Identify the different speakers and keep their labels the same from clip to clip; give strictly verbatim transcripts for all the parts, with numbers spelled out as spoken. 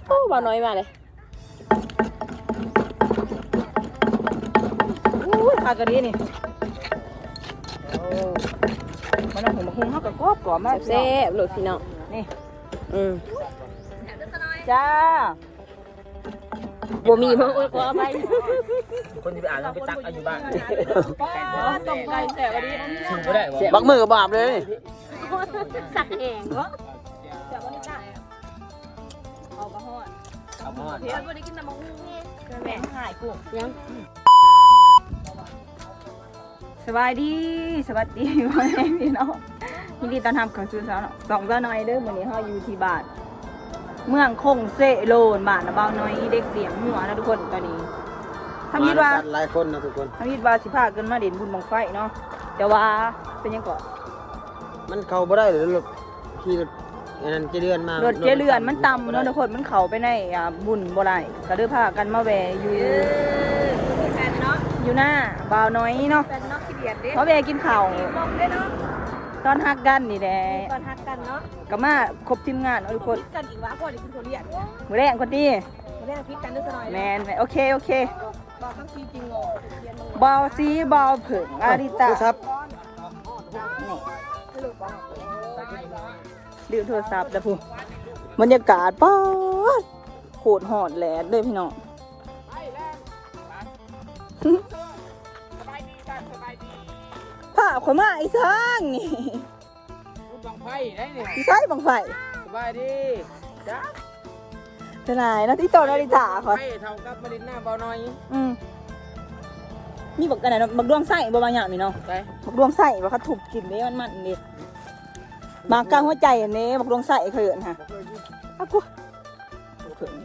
Speaker 1: โอ้บ่าวน้อยมาเลย
Speaker 2: อู้ขากระดีนี่โอ้มันเอาหัวมะฮุงเขากับกรอบกรอบมาก
Speaker 1: แซ่บๆโหลดพี่น้อง
Speaker 2: นี่
Speaker 1: อืม
Speaker 2: จ้า
Speaker 1: บ่มีมาอวยขอไป
Speaker 3: คนที่ไปอ่านไปตักอายุบ้าน
Speaker 2: ต้มไก่แซ่บดี
Speaker 3: ถึงก็ได้
Speaker 4: บักมือกับบาปเลย
Speaker 1: สักแหงเหรอ
Speaker 2: แซ่บดีจ้าเอากระห้อน
Speaker 3: เอาหม้อ
Speaker 2: เพี้ยนวันนี้กินน้ำมะฮุงแม่หายกุ้ง
Speaker 1: ยัง
Speaker 2: สบายดีสวัสดีพ่อแม่พี่น้องยินดีต้อนรับเข้าสู่สาวสองเจ้าน้อยเด้อวันนี้เราอยู่ที่บ้านเมืองคงเซโลนบ้านนะเบาน้อยเด็กเลี้ยงหัวนะทุกคนตอนนี้ทำยิดว่า
Speaker 4: หลายคนนะทุกคน
Speaker 2: ทำยิดว่าสิพาเกินมาเด่นบุญบังไฟเนาะแต่ว่าเป็นยังก่อน
Speaker 4: มันเข้าบ่ได้เลยรถที่รถอันนั้นเจเรือนมาร
Speaker 2: ถเจเรือนมันต่ำเนาะทุกคนมันเข้าไปในอ่าบุญบ่ได้ก็เด้อพากันมาแวะอยู่อยู่หน้าเบาน้อยเนาะเพราะแวะกินข้าวตอนฮักกันนี่แหละ
Speaker 1: ตอนฮักกันเนาะ
Speaker 2: ก็มาครบทีมงานเอาทุกคน
Speaker 1: กันอีกวะพ่อเดี๋ยวคุณโทรเรียก
Speaker 2: มือแรงคนดี
Speaker 1: มาเรียกพิษกันด้วยสักหน่อย
Speaker 2: แมนโอเคโอเค
Speaker 1: บอกทั้งซีจริงโง่เรียนมึง
Speaker 2: บอลซีบอลผึ่งอาริตา
Speaker 4: ครับ
Speaker 2: ดื่มโทรศัพท์นะพูบรรยากาศป๊อดโคตรหอดแหลดเลยพี่น้องผ้าขนมาไอ้ช้างนี่
Speaker 3: บังไฟได้เนี่ย
Speaker 2: พี่ใช้บังไฟ
Speaker 3: สบายดีจ้า
Speaker 2: จะไหนนะที่โตนาริตาขอ
Speaker 3: ไฟเท่ากับมาดินหน้าเบาหน่อย
Speaker 2: อืมมีบักกันไหนเนาะบักดวงไส้บ่บางอย่างนี่เนาะ
Speaker 3: ไป
Speaker 2: บักดวงไส้ว่าเขาถูกกินนี่มันมันนี่มากลางหัวใจอันนี้บักดวงไส้เขินค่ะอากูเขิน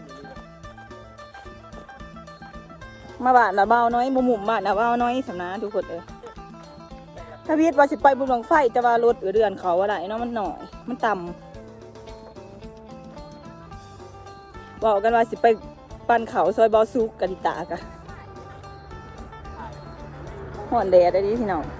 Speaker 2: มาบ้านนะเบาน้อยมุมมุมบ้านนะเบาน้อยสำนักทุกคนเลยถ้าพีทว่าสิไปบุญบังไฟจะว่ารถเดือนเขาว่าไรเนาะมันหน่อยมันต่ำบอกกันว่าสิไปปันเขาซอยบอซุกกันดิตากะห่อนแดดได้ดิพี่น้อง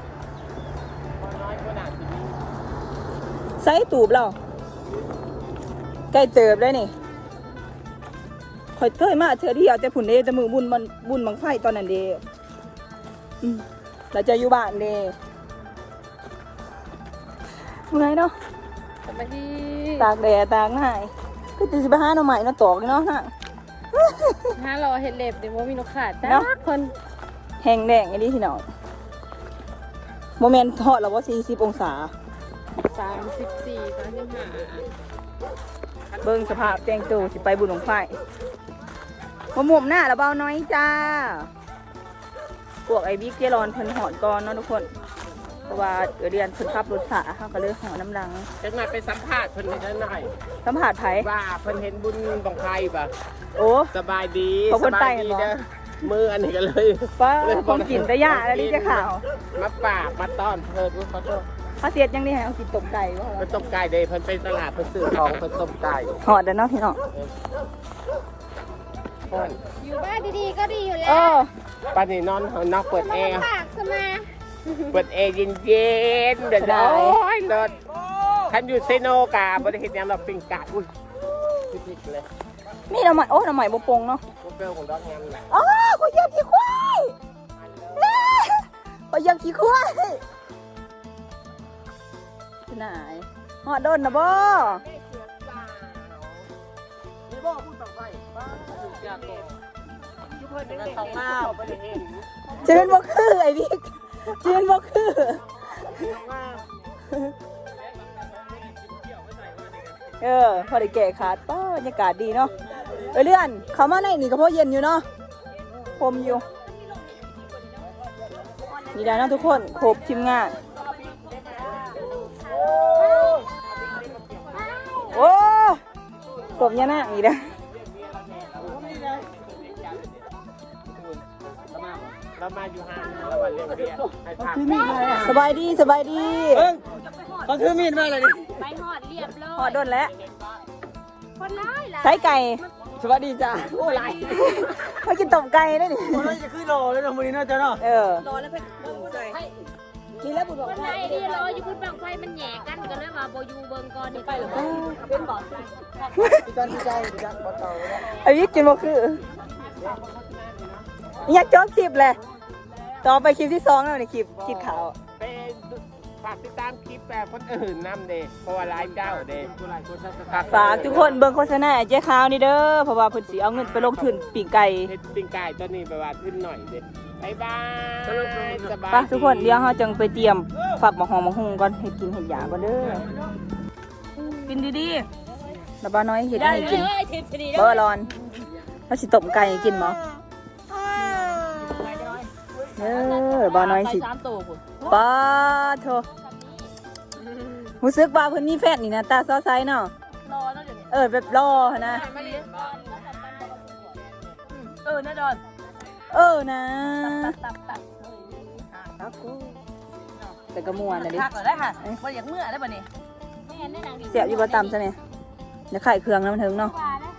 Speaker 2: ใส่ตูบเราใกล้เติบได้นี่คอยเคยมาเธอที่เอาแต่ผุนเดจะมือบุญมันบุญบังไฟตอนนั้นเดอืมเราจะอยู่บ้านเดเมื่อยเนาะ
Speaker 1: สวัสดี
Speaker 2: ตากแดดตากง่ายก็จะสิไปหาหน่อไม้น่ะตอกเนาะฮะ
Speaker 1: ฮะรอเห็ดเล็บเดี๋ยวว่ามีนกขาดจ้า
Speaker 2: เนาะ
Speaker 1: คน
Speaker 2: แห้งแดงไอ้นี่พี่น้องโมเมนต์ทอดแล้วว่าสี่สิบองศา
Speaker 1: สามสิบสี่สามสิบห้า
Speaker 2: เบิ่งสภาพแจงตูสิไปบุญหลวงไฟมาหมุมหน้าแล้วเบาน้อยจ้าพวกไอ้บิ๊กเจรอนเพิ่นหอนก่อนเนาะทุกคนเพราะว่าเออเดือนเพิ่นขับรถสาเขาก็เลยหอนน้ำดัง
Speaker 3: จะมาไปสัมภาษณ์เพิ่นนิดหน่อย
Speaker 2: สัมผัสไผ
Speaker 3: ว่าเพิ่นเห็นบุญบังไฟป่ะ
Speaker 2: โอ้
Speaker 3: สบายดี
Speaker 2: ขอบคุณ
Speaker 3: สบายดี
Speaker 2: ไปกันเหรอ
Speaker 3: เด้อมืออันนี้กันเลย
Speaker 2: ป้าคงกินแต่ยาแล้วนี่จะข่าว
Speaker 3: มาปากมาต้อนเพิ่นขอโทษ
Speaker 2: เขาเสียดยังนี่ให้เอากินต้มไก่บ่
Speaker 3: เพิ่นต้มไก่เด้เพิ่นไปตลาดเพิ่นซื้อของเพิ่นต้มไก่
Speaker 2: หอดเด้อเนาะพี่น้อง
Speaker 3: เพิ่น
Speaker 1: อยู่บ้านดีๆก็ดีอยู่แล้
Speaker 2: เอ
Speaker 1: ว
Speaker 2: อ
Speaker 3: ปานนี้นอนนอกเปิดแอร์
Speaker 1: ฝากสมา
Speaker 3: เปิดแอร์เย็นๆเดี๋ยว
Speaker 2: ได้
Speaker 3: โอ้ยเลิศท่านอยู่เซโนกาบริเห็นยังเราปิงกาดอุ้ยพิดเลย
Speaker 2: นี่หน่อไม้โอ้หน่อไม้บ่ปงเนาะ
Speaker 3: พวกเปลของดอกงามแหละ
Speaker 2: อ๋อขอยเหยียบขี้ควายแม่ขอยเหยียบขี้ควายที่ไหนหอดโดนนะบ่
Speaker 3: นี่บ่พูดต่อไปบ้าอยากบอกยุเพิ่นเป็นสองหน้าบริเห็น
Speaker 2: เชิญบ่คือไอ้บิ๊กเชิญบ่คือ เออพอได้แก่ขาดป้าบรรยากาศดีเนาะเออเลื่อนเขามาในนี่ก็เพราะเย็นอยู่เนาะพรมอยู่นี่ได้เนาะทุกคนครบทีมงานโอ้กบยานาอีกแล้ว
Speaker 3: เรามาอยู่ห้างเรามาเรียนเรียนให้ทาง
Speaker 2: สบายดีสบายดี
Speaker 4: เขาถือมีดมาเลยนี่
Speaker 1: ไปหอดเรียบร้อย
Speaker 2: หอดโดนแล้ว
Speaker 1: คนร้ายล่ะ
Speaker 2: ใช้ไก่
Speaker 4: สวัสดีจ้าโอ้ไร
Speaker 2: มากินต้มไก่ได้ดิ
Speaker 4: เราจะขึ้นรอเลยนะมือนี้น่าจะเนาะ
Speaker 2: เออ
Speaker 1: รอแล้วเพิ่นใส่
Speaker 2: นี่แล้วบุญบอก
Speaker 1: คนไทยนี่รออยู่บุญบังไฟมันแหย่กันก็เลยว่าบ่อยู่เบิ่งก่อนนี่ไปหรอ
Speaker 2: เป็นบ่
Speaker 3: ดีกันดีใจดีกันบ่เต่า
Speaker 2: ไอ้วิกินบ่คืออยากจบคลิปเลยต่อไปคลิปที่สองแล้วในคลิปคลิปขาว
Speaker 5: เป็นฝากติดตามคลิปแบบคนอื่นนำเด้เพราะว่าไลฟ์เจ้าเด้
Speaker 2: ฝากทุกคนเบิ่งโฆษณาไอ้เจ๊ขาวนี่เด้อเพราะว่าเพิ่นสิเอาเงินไปลงทุนปีกไก่
Speaker 5: เฮ็ดปิ้งไก่ตัวนี้ไปว่าขึ้นหน่อยเด้บ๊ายบายสบาย
Speaker 2: ไปทุกคนเดี๋ยวเราจังไปเตรียมฝักหมะฮองมะฮุงก่อนให้กินเห็ดหยาก่อนเด้อกินดีๆแล้วบ้าน้อยเห็ดให้กินเบอร์รอนเราสิต้มไก่ให้กินบ่เด้อบ้าน้อยสิป้าโธ่รู้สึกว่าเพิ่นมีแฟนนี่นะตาซ้อไซเนาะเออแบบรอนะเออนะดอนเออนะแต่กระมวลนะดิ
Speaker 3: พักได้ค่ะบ่อยากเมื่อได้บ่นี่
Speaker 2: เสียบอยู่บ่ต่ำใช่ไหมเดี๋ยวไข่เครื่องน้ำถึงเนาะ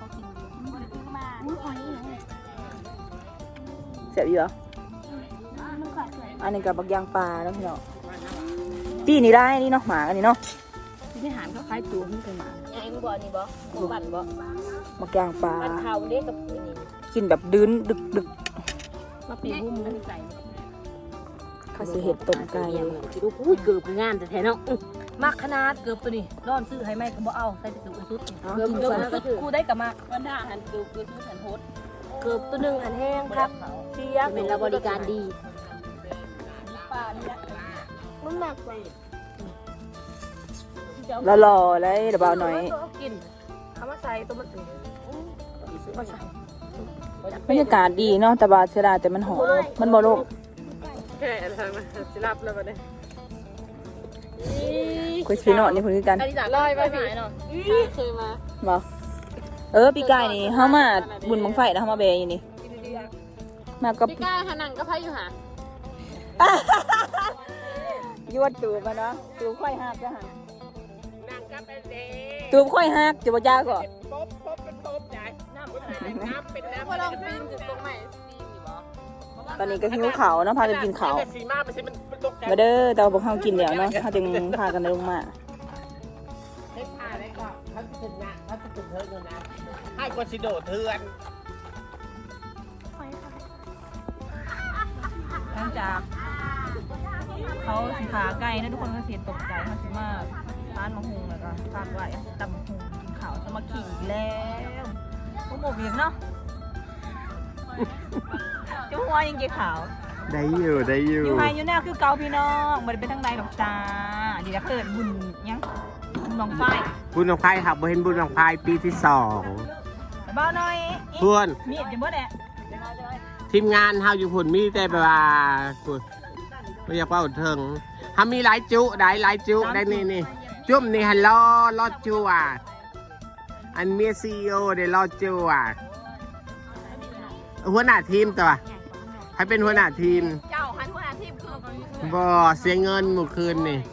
Speaker 2: เสียบอยู่เหรออันนี้กับบักยางปลาแล้วพี่เนาะปีนี่ได้นี่เนาะหมากันนี่เนาะ
Speaker 1: ที่หารเขาขายตัวมันเป็นหมาไอ้มึงบ่นี่บ่บ่ปั่นบ่
Speaker 2: บักยางปลา
Speaker 1: ปั่นเข่าเด้กับนี่
Speaker 2: กินแบบดื้นดึกดึก
Speaker 1: มาปีบุ้มมันใส่
Speaker 2: ข้าสิเห็ดต้มไก่
Speaker 1: ดูอุ้ยเกือบงามแต่แท้เนาะ
Speaker 3: มักขนาดเกือบตัวนี้ร้อนซื้อให้แม่ก็บ่เอาใส่ไปตู้สุด
Speaker 2: เอา
Speaker 3: เกือบ
Speaker 2: กิน
Speaker 3: เกือบ
Speaker 2: ก่อน
Speaker 3: สุดกูได้กับมัก
Speaker 1: วันหน้าหันเกือบเกือบทุกหันโฮด
Speaker 3: เกือบตัวนึงอันแห้งครับเสีย
Speaker 1: เป็นเราบริการดี
Speaker 3: ป่านี่แหละ
Speaker 1: มันหนักไป
Speaker 2: แล้วรอเลยเดี๋ยวเบาหน่อย
Speaker 3: กินเอามาใส่ตัวมันสิมาใส่
Speaker 2: บรรยากาศดีเนาะแต่บาเสียดายแต่มันหอมมันบ่โลก
Speaker 1: แค่ทางนั้นสิรับแล้วบัดนี้
Speaker 2: คุยชีโน่นี่เพิ่นคือกัน
Speaker 3: อันนี้จาก
Speaker 1: ลอยไปพี่เนาะเคยมา
Speaker 2: บ่เออปีกายนี่เฮามาบุญบังไฟนะเฮามาเบยอยู่นี่มากับ
Speaker 1: พี่ก้าหานังก็พายอยู่หา
Speaker 2: ยวดตูบมาเนาะตูบค่อยหักจ้ะหั่น
Speaker 5: นั่งกับเด้
Speaker 2: ตูบค่อยหักจะบ่ยากก็
Speaker 5: ป๊บป๊บเป็นป๊บใหญ่น้ำเป็นน้ำเป็นน้ำ
Speaker 1: พอลองปีนถึงตรงไหนปีนอยู่บ่
Speaker 2: ตอนนี้ก็หิวข้าวเนาะพากันกินข้าว
Speaker 5: สีมาไม่ใช่มันตกใจ
Speaker 2: มาเด้อแต่ว่าพวกเฮากินแล้วเนาะเฮาจึงพากันลงมา
Speaker 5: เฮ็ดผ้าได้ก็เขาจะถึงนะเขาจะถึงเธอเลยนะให้กดสิโดดเถื่อน
Speaker 2: หลังจากเขาสิขาไก่นะทุกคนก็เสียตกใจเขาสิมาร้านมะฮุงแล้วก็ฝากไว้ตำมะฮุงกินข้าวจะมาขี่แล้วพวกหมกเบียงเนาะจุ๊หัวยังเกี่ยวขาว
Speaker 5: ได้อยู่ได้อยู่
Speaker 2: อยู่ไฮอยู่แนวคือเกาพี่น้องมันเป็นทางใดดอกจ้าดีนะเกิดบุญยังบุญบังไฟ
Speaker 5: บุญของไพ่ครับบ่เห็นบุญของไพ่ปีที่สอง
Speaker 2: เบาหน่อย
Speaker 5: เพื่อน
Speaker 2: มีดจะเบิดแหละ
Speaker 5: ทีมงานเฮาอยู่พุ่นมีแต่แบบว่าพุ่นไม่อยากว่าอุดเถิงเฮามีหลายจุได้หลายจุได้นี่นี่จุ่มนี่ฮัลโหลรอดจูอ่ะอันเมียซีโอได้รอดจูอ่ะหัวหน้าทีมตัวใครเป็นหัวหน้าทีม
Speaker 1: เจ้าหันหัวหน้าทีมคือ
Speaker 5: บ่เสียเงินเมื่อคืนนี่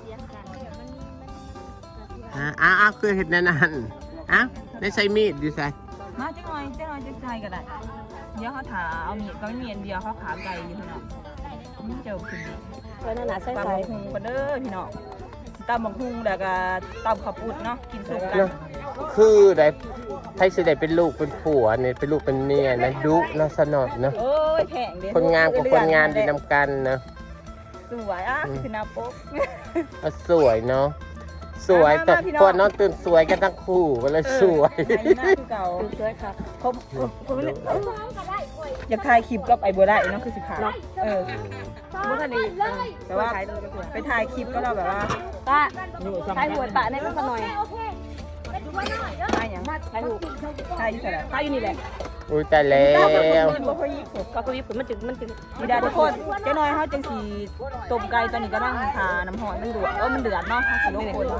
Speaker 5: อ่ะอ้าวอ้าวคือเห็ดแนั่นนั่นอ้าวได้ใช้มีดอยู่ใส่
Speaker 2: มาจังหน่อยจังหน่อยจะใส่ก็ได้เดี๋ยวเขาถาเอามีดก็ไม่มีอันเดียวเขาขาไก่อยู่พี่น้องเจอคุณดี
Speaker 3: เพิ่นน่ะใส่
Speaker 2: ตำ
Speaker 3: ใส่
Speaker 2: บักฮุงกันเด้อพี่น้องตำบักฮุงแล้วก็ตำข้าวปุ้นเนาะกินสุกกัน
Speaker 5: คือได้ให้สิได้เป็นลูกเป็นผัวเนี่ยเป็นลูกเป็นเมียนะดุเนาะสนอดเนาะ
Speaker 2: โอ้ยแพงเด้
Speaker 5: คนงามกับคนงามดีนำกันเนาะ
Speaker 2: สวยอ่ะคือหน้าปก
Speaker 5: เอาสวยเนาะสวย
Speaker 2: มามา
Speaker 5: แต่
Speaker 2: พี่น้อง
Speaker 5: พวกน้องตื่นสวยกันทั้งคู่ก็เลยสวย
Speaker 2: ไอ้หน้าคือเก่า
Speaker 3: สวยครับ
Speaker 2: ผมผมเลยอยากถ่ายคลิปกับไอ้บัวได้เนาะคือสิขาเออ
Speaker 3: บ่ทันได้
Speaker 2: แต่ว่าไปถ่ายคลิปก็เราแบบว่า
Speaker 3: ป้าใส่หัวปะในมันซะหน่อย
Speaker 2: ถ่ายอย่าง
Speaker 3: ใส่หู
Speaker 2: ถ่ายอยู่แต่ละ
Speaker 3: ใส่อยู่นี่แหละ
Speaker 5: อุ้ยแต่แล้ว
Speaker 2: บ่ค่อยยิบ
Speaker 3: ก็คือมันจึงมันจึง
Speaker 2: มีดาทุกคนเจ้าน้อยเขาจังสีต้มไก่ตอนนี้ก็นั่งทาน้ำหอยมันเดือดเออมันเดือดเนาะสิลงคน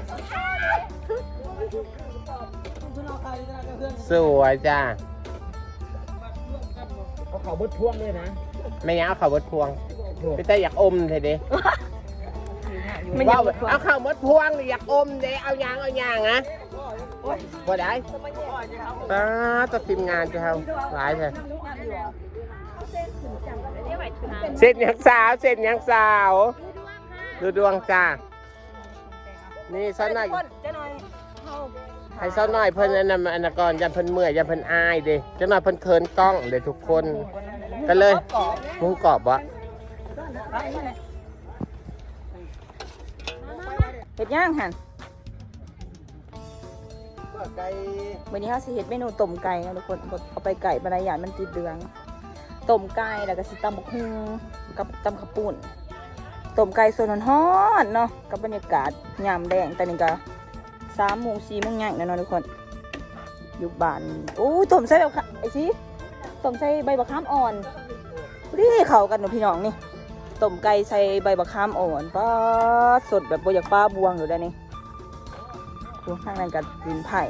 Speaker 5: สวยจ้า
Speaker 4: เอาเขาบดพ่วงด้วยนะ
Speaker 5: ไม่งั้นเอาข่าวบดพวงพี่แต่อยากอมเถอะเด้
Speaker 2: มัน
Speaker 5: ว่า
Speaker 2: ยัง
Speaker 5: เอาข่าวบดพวงอยากอมเด้เอายางเอายางนะบ่ได้ป้าตัดทีมงานจะเอาหลายเถอะเสร็จยังสาวเสร็จยังสาวดูดวงจ้านี่ซ้อนหน่อย
Speaker 2: เจ้าหน่อยเฮา
Speaker 5: ให้ซ้อนหน่อยเพิ่นอันนั้นอันนั้นก่อนยันเพิ่นเมื่อยยันเพิ่นอายเด้เจ้าหน่อยเพิ่นเคินกล้องเด้ทุกคนกันเลยหมุ้งกรอบวะ
Speaker 2: เฮ็ดย่างหั่น
Speaker 4: ไก่
Speaker 2: วันนี้เขาสิเฮ็ดเมนูต้มไก่นะทุกคนเอาไปไก่บรรยายมันติดเหลืองต้มไก่แล้วก็สิตำบักหุ่งกับตำข้าวปุ้นต้มไก่ส่วนฮ้อนๆเนาะกับบรรยากาศยามแดงแต่นี่ก็สามโมงสี่โมงย่างแล้วเนาะทุกคนอยู่บ้านโอ้ยต้มใส่แบบไอ้สิต้มใส่ใบบักขามอ่อนรีเข้ากันเนาะพี่น้องนี่ต้มไก่ใส่ใบบักขามอ่อนป้าสดแบบบ่อยากป้าบวงอยู่ได้นี่ดูข้างในกับดินไผ่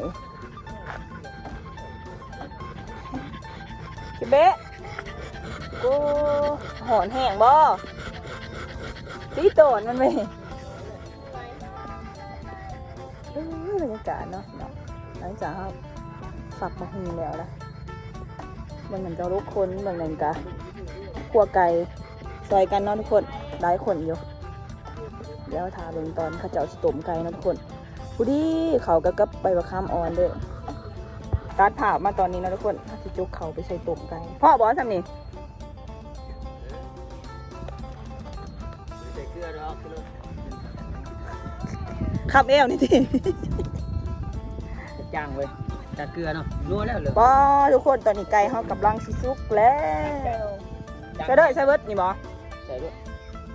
Speaker 2: คิเบะกูหอนแห้งบ่ตีโตนมันไปเออบรรยากาศเนาะเนาะหลังจากครับฝักมะฮุงแล้วนะมันเหมือนจะลุกคนเหมือนกันกะขัวไก่ซอยกันเนาะทุกคนหลายคนอยู่เดี๋ยวทาเบิ่งตอนข้าเจ้าสิต้มไก่เนาะทุกคนผู้ดีเขาก็กับใบมะขามอ่อนเด้อตัดผ่ามาตอนนี้นะทุกคนถ้าสิจุกเขาไปใส่ต้มไก่พ่อบอสทำนี่
Speaker 4: ใส่เกลือดอกเลย
Speaker 2: ขับเอวนี่ที
Speaker 4: จ้างเว้ยจากเกลือเนาะนัวแล้วเหรอ
Speaker 2: ปอทุกคนตอนนี้ไก่เขากำลังสิสุกแล้วใส่เด้อใส่เบิดนี่บอ
Speaker 3: ใส่ด้วย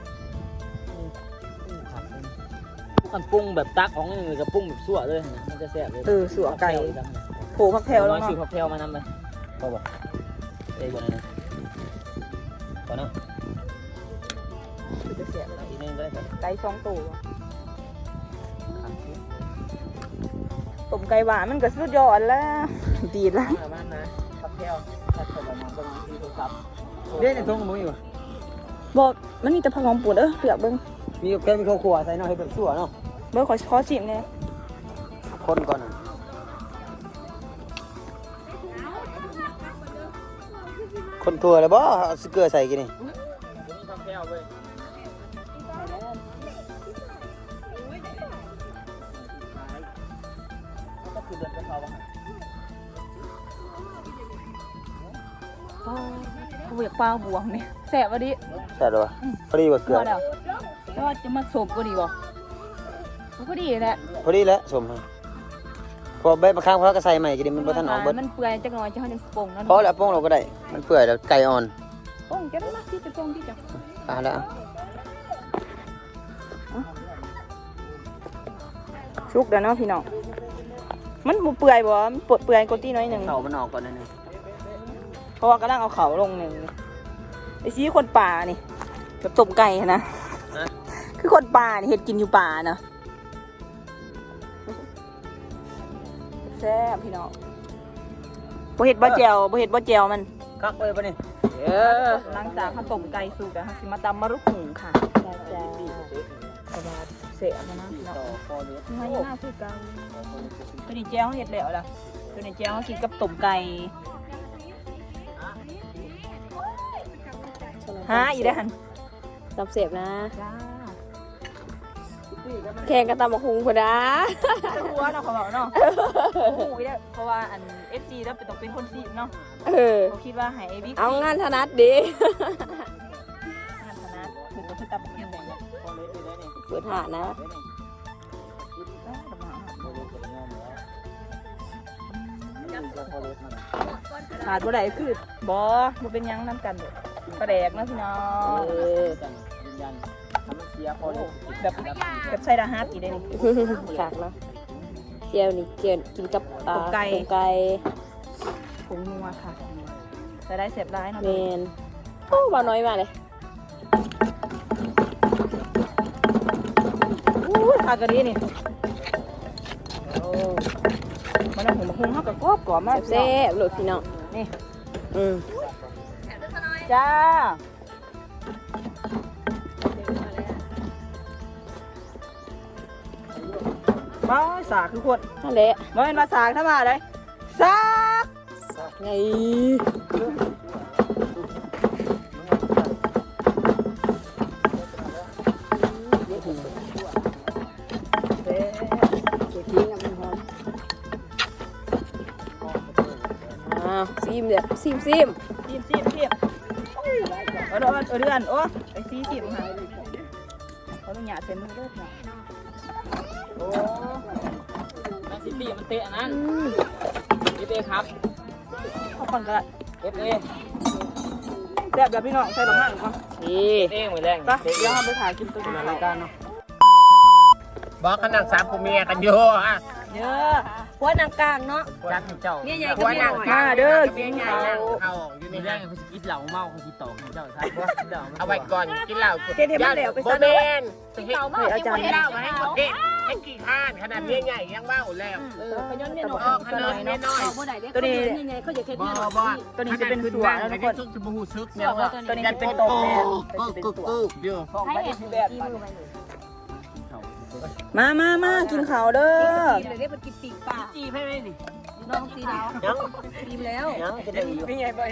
Speaker 3: มันปรุงแบบตักของนี่กับปรุงแบบสั่วเลยนะมันจะแซ่บเลย
Speaker 2: เออสัวไก่โผล่พักแถว
Speaker 3: แล้
Speaker 2: แล้ว ว
Speaker 3: ซื้อ
Speaker 2: เนาะ
Speaker 3: ผักแพรวมานำไปพอบอกเอ้ยก่อนนะก่อนเนาะ
Speaker 2: จะเสียไปแล้ว
Speaker 3: อีกนึงก็ได้ครับ
Speaker 2: ไก่สองตัวต้มไก่หวานมันก็สุดยอดแล้วดีแล้ว
Speaker 3: มานะผักแพรวผัดกับมันประมาณสี่ตัวครับ
Speaker 4: เด้ในท้องมึงอยู่
Speaker 2: บอกมันมีแต่ผักหอมปุ่นเออเปลือกเบิ้ง
Speaker 4: มีแค่มีข้าวคั่วใส่เนาะให้แบบสั่วเนาะ
Speaker 2: เบิ้งขอขอชิมเนี่ย
Speaker 4: คนก่อนคนทั่วเลยบ่เอาสเกลือใส่กินนี่
Speaker 3: มีผักแพรวเว้ย ก็คือเดือนกระเพราอะ
Speaker 2: เปลือกปลาบวงเนี่ยแสบวะดิ
Speaker 4: ใช่หรอวะพอดีว่าเกลือ
Speaker 2: พอแล้วแต่ว่าจะมาสมก็ดีบ่ก็ดีแหละ
Speaker 4: พอดีแล้วสมให้พอใบมะขามเขาก็ใส่ใหม่กินดิมันบ่ทันออกเบิด
Speaker 2: มันเปื่อยจักหน่อยจะให้มันปงเนาะ
Speaker 4: พอแล้วโป้งเราก็ได้มันเปื่อยแล้วไก่อ่อน
Speaker 2: ปงจะได้มาที่จะปงที่จะ
Speaker 4: อ่ะแล้ว
Speaker 2: ชุกเดี๋ยวเนาะพี่น้องมันบ่เปื่อยบ่มันปวดเปื่อยกว่าที่น้อยหนึ่ง
Speaker 4: เข่ามันออกก่อนนิดนึง
Speaker 2: เพราะว่ากำลังเอาเขาลงหนึ่งไอ้ชี้คนป่านี่แบบต้มไก่นะคือคนป่านี่เห็ดกินอยู่ป่าเนาะแซ่บพี่น้องบ่เห็ดบ่แจวบ่เห็ดบ่แจวมัน
Speaker 4: คักเลยปะนี่
Speaker 2: เออหลังจากเขาต้มไก่สุกแล้วเขาสิมาตำมะรุกหุงค่ะจ้าจ้าสบายเสียมานะพี่น้อง
Speaker 4: พอเนื้อ
Speaker 2: นี่ให้หน้าคือไก่ตัวนี้แจ้วเห็ดแล้วล่ะตัวนี้แจ้วกินกับต้มไก่ฮะอีได้หัน
Speaker 1: ตับเสียบนะ
Speaker 2: จ้า
Speaker 1: แข่งกันตำบักหุงพอดา
Speaker 2: หัวเนาะเขาบอกเนาะโอ้ยได้เพราะว่าอันเอฟซีแล้วเป็นต้องเป็นคนซีเนาะ
Speaker 1: เออ
Speaker 2: เขาคิดว่าให้ไอ้บิ๊ก
Speaker 1: เอางานถนัดดี
Speaker 2: งานคณะถึงจะเป็นตับเป็นแบ่งเนี่ย
Speaker 3: พอเล็กได้เนี่ย
Speaker 1: เปิดหานะ
Speaker 2: ขาดบ่ได้คือบ่บ่เป็นหยังน้ำกันเด้อปลาแดกเนาะพี่น้อง
Speaker 1: เออ
Speaker 3: ยืนยันทำมันเสียพอเล็ก
Speaker 2: แบบแบบใส่ดาฮาร์ดอีกได้นี่
Speaker 1: ฝากเนาะเจียวนี่เจียวกินกับอ่า
Speaker 2: อกไก่
Speaker 1: อกไก่
Speaker 2: ผงนัวค่ะใส่ได้เสียบได้เนาะ
Speaker 1: เมนโอ้บาน้อยมากเลย
Speaker 2: อู้ทากะดีนี่โอ้มันเอาหัวมะฮุงเฮาก็กรอบกรอบมาก
Speaker 1: แซ่บๆโหลดพี่น้อง
Speaker 2: นี่
Speaker 1: อืม
Speaker 2: จ้าบ้าสากคือคน
Speaker 1: นั่นแหละ
Speaker 2: บ่เป็นมาสากถ้ามาเลยสาก
Speaker 1: ไงอ้าวซิมเนี่ยซิมซิม
Speaker 2: ซีมซีมซีมเออเออเออเดือนโอ้ไอ้ซีซีมหายเขาต้องหยาดเส้นมือด้วยนะโอ้
Speaker 3: แมนซิตี้มันเตะนั้นเอฟเอครับ
Speaker 2: ข้าวปังกระ
Speaker 3: เอฟเอ
Speaker 2: แซ่บแบบพี่น้องใส่บางห้างก่อน
Speaker 3: นี่เอฟเอเหมือนแรง
Speaker 2: ไปเดี๋ยวเราไปถ่ายกินตัวนี้
Speaker 3: รายการเนาะ
Speaker 5: บอกขนาดสามผัวเมียกันอยู่อ่ะ
Speaker 1: เยอะหัวนางกลางเนาะ
Speaker 3: จัดเจ้า
Speaker 1: เนี่ยใหญ่
Speaker 5: ผัวนั่ง
Speaker 2: มาเด้อกิ
Speaker 5: เมีย
Speaker 2: น
Speaker 5: ใหญ่
Speaker 2: ข้าว
Speaker 5: นั่งเขาอยู่
Speaker 3: มี
Speaker 5: นี่
Speaker 3: แร
Speaker 5: นะ
Speaker 3: งเขาคิดเหล่าเมาเขาคิดตอกเจ้าใช่ปะเดี๋ยว
Speaker 5: เอาไว้ก่อนกินเหล้า
Speaker 2: เฮ็ดให้มันแล้วไป
Speaker 5: บ่
Speaker 2: ซะ
Speaker 5: แม
Speaker 2: เด้อ
Speaker 5: นกินเหล้ามาให้กินเหล้ามาให้หมดเด็ดให้กี่ข้านขนาดเมียใหญ่ยังเมาแล้ว
Speaker 1: เออขย้อนเนี่ยหน่อย
Speaker 5: ออกขนาดเมียน้อย
Speaker 1: บ่ได้เด้ตัวนี้นี่ไงเขาอยากเฮ็ด
Speaker 5: บ่
Speaker 1: เนี่ย
Speaker 5: บ่
Speaker 2: ตัวนี้จะเป็นสวนนะทุกคน
Speaker 5: ซุกจะบ่ฮู้ซึก
Speaker 3: เมียว่า
Speaker 2: ตัวนี้
Speaker 5: ยั
Speaker 2: จะ
Speaker 5: น
Speaker 2: เป็
Speaker 5: เป็น น
Speaker 2: โต
Speaker 5: โต
Speaker 2: แมน
Speaker 5: กึกกึกกึกอยู่
Speaker 1: ให้เห็ดสีมือไปเลย
Speaker 2: มามามากินข้าวเด้อ
Speaker 1: เลยได้เป็นกินปีกปลา
Speaker 3: จีให้ไหมดิ
Speaker 1: น้องสีดาว
Speaker 3: ยัง
Speaker 1: ทีมแล้ว
Speaker 3: ยังจะได้อยู่
Speaker 2: มาเนี่ยมา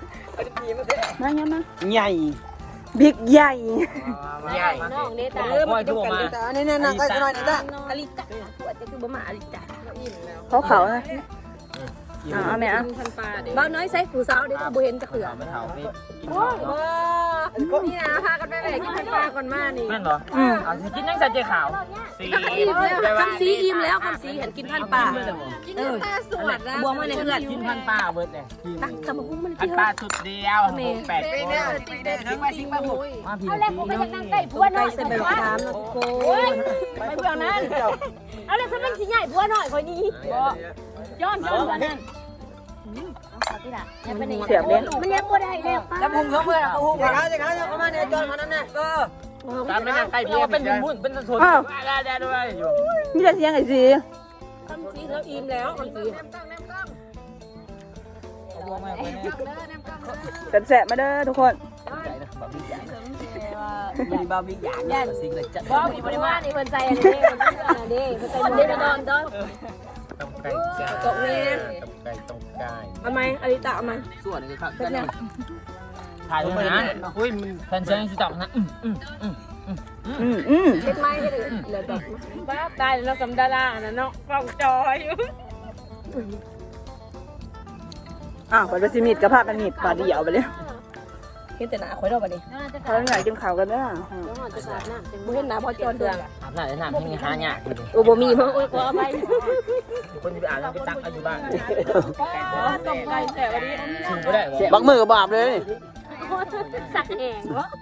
Speaker 3: ใหญ่
Speaker 2: บิ๊กใหญ่
Speaker 5: ใหญ่
Speaker 1: น้องเด้ตา
Speaker 3: เออมาดูมา
Speaker 2: นี่นี่นั่งใกล้หน่อยนี่จ้ะ
Speaker 1: อลิตาตัวจะคือบ่มาอลิตา
Speaker 2: เขาเขานะเอาเอาแม่เอา
Speaker 1: พันปลาเด้บ้าน้อยใส่ผู้สาวเด้บ่เห็นจะเขือ
Speaker 3: ไม่เท่านี่กิน
Speaker 1: โอ้ยบ่นี่นะพากันไปแหวกกินพันปลาก่อนมานี่
Speaker 3: แม่นเหรอ
Speaker 2: อืม
Speaker 3: เอาสิกินนั่งใส่เจ๊ขาว
Speaker 5: สี
Speaker 1: อิ่มแล้วคำสีอิ่มแล้วคำสีเห็นกินพันปลาเออสวัสดีบวงมาในเพื่อน
Speaker 3: กินพันป้าเบิร์ดเลย
Speaker 1: ตักสมพุงมัน
Speaker 5: อัน
Speaker 1: เที่ยว
Speaker 5: ปลาสุดเดียวแปดคน
Speaker 3: มาพี่
Speaker 1: เอาแล้วผมก็ยังนั่งใกล้ผัวหน่อยใส่ใบมะขามนะทุกคนไปเบื้องนั้นเอาแล้วเขาเป็นสิใหญ่ผัวหน่อยคนนี้ย้อนย้อนกันนั่น
Speaker 2: เสียบเล่น
Speaker 1: มันยังบ่ได้แล้ว
Speaker 3: แล้วพุงเขาเมื่อเขาพุงเขาจะเขาจะเขามาเนี่ยจอนเขานั่นน่ะก็
Speaker 5: ตามไม่นั่งใกล้
Speaker 3: เรีย
Speaker 5: เพี
Speaker 3: ก
Speaker 5: ย
Speaker 3: ว่าเป็นบุญเป็นสนได้ได้ด้วยอยู่
Speaker 2: มีแต่เสียงไอ้สี
Speaker 1: คำสีแล้วอิ่มแล้วคำสี
Speaker 2: แสบๆมาเด้อทุกคน
Speaker 3: มีบาร์บีคิวอย่างสิ่งเลยจะ
Speaker 1: บ่มีบริวารนี่เพิ่นใจอันนี้เพิ่นใจอันนี้เพิ่นใจมันได้นอนดอน
Speaker 5: ต้องไก่จ้า
Speaker 1: ตกแม่
Speaker 5: ต้องไก่ต้องไก่
Speaker 1: เอาไหมอลิตาเอาไหม
Speaker 3: ส่วนนี้ครับถ่ายเลยนะ
Speaker 5: อุ้ยมัน
Speaker 3: แฟนเชียงสิตับนะอืมอืมอืม
Speaker 2: อืมอืม
Speaker 1: เฮ็ดไม้เฮ็ดเหลือดอกบ้าตายแล้วกับดาราน่ะเนาะกล้องจอยอยู่
Speaker 2: อ้าวปัดไปสิมีดกับผ้ากันมีดปาดเดี่ยวไปเลย
Speaker 1: เฮ็ดแต่หน้าข่อยดอกบัดนี้
Speaker 2: เขาอยากกินข้าวกันเด้อ
Speaker 1: จะขาดน้ำบ่เห็นหน้าพอจอนเดือน
Speaker 3: อาบน้ำอาบน้ำให้หายาก
Speaker 1: โอ้บ่มีมั้งโอ้ยขออภัย
Speaker 3: คนที่อาบน้ำไปตักอายุบ้าน
Speaker 1: ต้มไก่แต่วันนี้
Speaker 3: ถึงก็ได้
Speaker 4: บักมือกับบาปเลย
Speaker 1: สักแหงเนาะ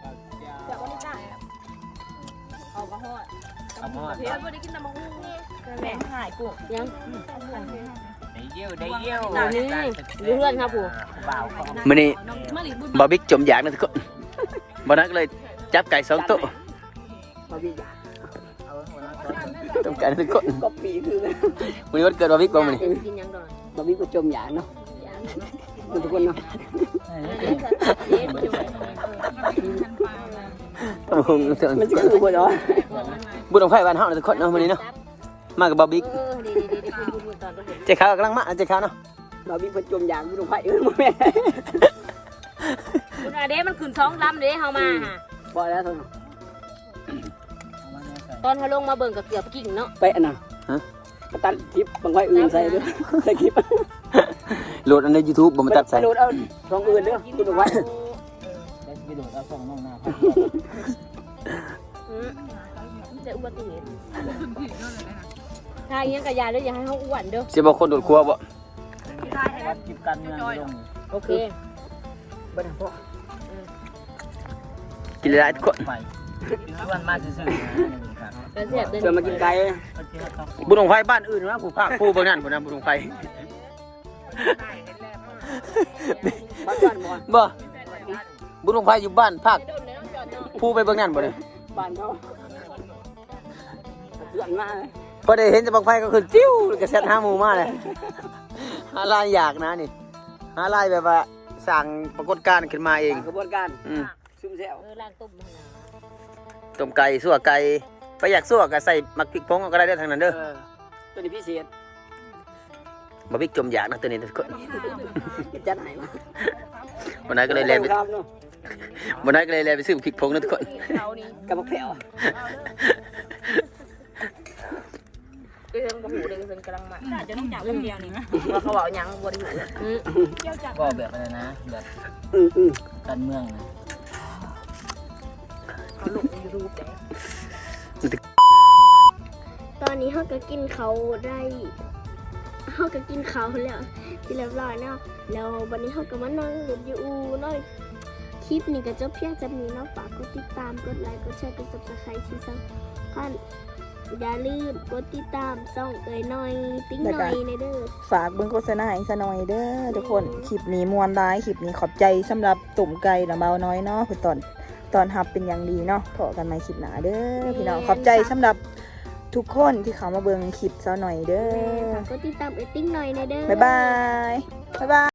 Speaker 3: เอามา
Speaker 1: เฮ็ดบ่ได้กินน้ำมะฮู้แม่หายกูยัง
Speaker 5: ได้เยี่ยวได้เยี่ยว
Speaker 1: ตอนนี้เพื่อนครับผู้
Speaker 3: บ่าวของ
Speaker 4: มื้อนี้
Speaker 1: มาหลีบุญ
Speaker 4: บาร์บิ๊กจมอยากนะทุกคนบ่นักเลยจับไก่สองตัวต้มไก่ทุกคน
Speaker 2: ก็ปีคือ
Speaker 4: มื้อนี้วันเกิดบาร์บิ๊กบ่มื้อนี้
Speaker 1: กินยังดอน
Speaker 2: บาร์บีก็จมหยาเนาะทุกคนเนาะ
Speaker 4: บุญ
Speaker 2: มันจะคือบ่เนาะ
Speaker 4: บุญของไฟบ้านเฮานะทุกคนเนาะมื้อนี้เนาะมากับบาร์บิ๊ก
Speaker 1: เออดีๆๆๆพูดๆตอนก็เห็น
Speaker 4: เจ๊ขาวกำลังมาเจ๊ขาวเนาะ
Speaker 2: บาร์บีก็จมหยาบุญของไฟเอ้ยบ่แม่
Speaker 1: คุณอาเด้มันขึ้นสองลำเด้เฮามาฮะ
Speaker 2: บ่แล้วเท่านั้น
Speaker 1: ตอนเฮาลงมาเบิ่งก็เกือบกิ่งเนาะ
Speaker 2: ไปอันน่ะฮะมาตัดคลิปบางไฟอื่นใส่เด้อใส่คลิป
Speaker 4: โหลดอันใน YouTube บ่มาตัดใส่
Speaker 2: โหลดเอาช่องอื่นเด้อคุณเอาไว้
Speaker 3: ได้ไปดูแล้วส่งน้องหน้า
Speaker 1: อือจะอุบัติเหตุถ้าอย่างก็อย่าเด้ออย่าให้เฮาอ้วนเด้อ
Speaker 4: สิบ่คนโดดครัวบ่
Speaker 3: วัดจิบกันเมืองลง
Speaker 1: โอเค
Speaker 2: บ่ได้พอ
Speaker 4: กินหลายๆทุกคน
Speaker 3: ไปชวนมาซื่อๆครับ
Speaker 1: แล้วเสียบเด้อ
Speaker 2: เชิญมากินไก่
Speaker 4: บุญของไฟบ้านอื่นนะผู้ภาคผู้เบิ่งนั่นพุ่นนะบุญของไฟ
Speaker 2: บ้านบ้านบ่
Speaker 4: บ่บุญของไฟอยู่บ้านภาคผู้ไปเบิ่งนั่นบ่เนี่ย
Speaker 2: บ้านเขาเพื่อนมาเลย
Speaker 4: พอได้เห็นแต่บังไฟก็คือจิ้วก็แซ่บหาหมู่มาเลยหาลายอยากนะนี่หาลายแบบว่าสั่งปรากฏการณ์ขึ้นมาเอง
Speaker 2: กระบวนการ
Speaker 4: อืม
Speaker 2: ซุ่มแซว
Speaker 1: เออล้างต้มมันนะ
Speaker 4: ต้มไก่สั่วไก่ไปอยากสั่วก็ใส่มักพริกผงก็ได้เด้อทางนั้นเด้อ
Speaker 2: เออตัวนี้พิเศษ
Speaker 4: บ่บิ๊กจมอยากนะตัวนี้ทุกคน
Speaker 2: จัดให้มา
Speaker 4: วันนั้นก็เลยแลไป
Speaker 2: ครับเนาะ
Speaker 4: วันนั้นก็เลยแลไปซื้อพริกผงนะทุกคน
Speaker 1: เขานี่
Speaker 2: กับบักแผ่วเรื่องบ่หูเรื่องเพิ่นกำลังมาจะต้องจับเรื่องเดียวนี่ว่าเขาบอกหยังบ่ได้หู
Speaker 3: ก็แบบอะไรนะแบบการเมืองนะ
Speaker 2: เขาลงยูทูบแต่
Speaker 1: ตอนนี้เขาก็กินเขาได้เขาก็กินเขาแล้วที่เรียบร้อยเนาะแล้ววันนี้เขาก็มานั่งเล่นอยู่เนาะคลิปนี้ก็จบเพียงจำนี้เนาะฝากกดติดตามกดไลค์กดแชร์กด ซับสไครบ์ ที่สำคัญอย่าลืมกดติดตามส่องเอ๋ยหน่อยติ๊งหน่อยในเด้อ
Speaker 2: ฝากเบิ่งโฆษณาให้ซะหน่อยเด้อทุกคนคลิปนี้ม่วนร้ายคลิปนี้ขอบใจสำหรับตุ่มไก่ละเบาน้อยเนาะคือตอนตอนรับเป็นอย่างดีเนาะพอกันใหม่คลิปหน้าเด้อพี่น้องขอบใจสำหรับทุกคนที่เข้ามาเบิ่งคลิปซะหน่อยเด้อ
Speaker 1: ฝากกดติดตามเอ๋ยติ๊งหน่อยในเด้อ
Speaker 2: บ๊ายบายบ๊ายบาย